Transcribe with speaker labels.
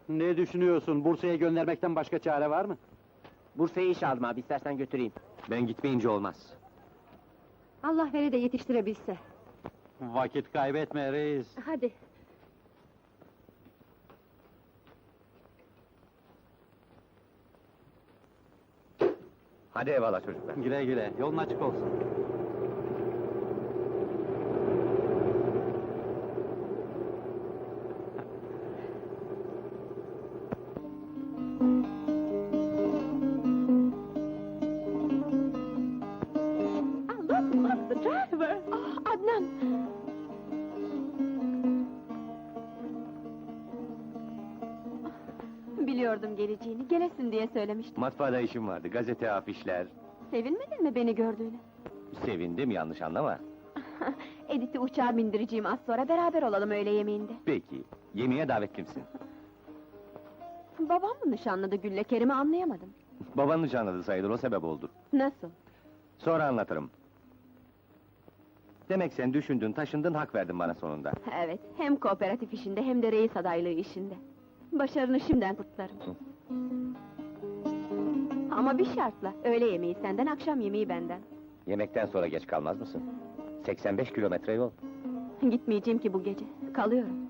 Speaker 1: Ne düşünüyorsun? Bursa'ya göndermekten başka çare var mı?
Speaker 2: Bursa'ya iş aldım abi, istersen götüreyim.
Speaker 3: Ben gitmeyince olmaz.
Speaker 4: Allah vere de yetiştirebilse.
Speaker 1: Vakit kaybetme reis.
Speaker 4: Hadi.
Speaker 3: Hadi eyvallah çocuklar.
Speaker 1: Güle güle, yolun açık olsun.
Speaker 4: Look, the driver! Ah, Adnan! Biliyordum geleceğini, gelesin diye söylemiştim.
Speaker 3: Matbaada işim vardı, gazete, afişler.
Speaker 4: Sevinmedin mi beni gördüğüne?
Speaker 3: Sevindim, yanlış anlama.
Speaker 4: Edith'i uçağa bindireceğim az sonra, beraber olalım öğle yemeğinde.
Speaker 3: Peki, yemeğe davetlimsin.
Speaker 4: Babam mı nişanladı Gül'le Kerim'i anlayamadım.
Speaker 3: Babanın nişanladı sayılır, o sebep oldu.
Speaker 4: Nasıl?
Speaker 3: Sonra anlatırım. Demek sen düşündün, taşındın, hak verdin bana sonunda.
Speaker 4: Evet, hem kooperatif işinde hem de reis adaylığı işinde. Başarını şimdiden kutlarım. Ama bir şartla, öğle yemeği senden, akşam yemeği benden.
Speaker 3: Yemekten sonra geç kalmaz mısın? 85 kilometre yol.
Speaker 4: Gitmeyeceğim ki bu gece, kalıyorum.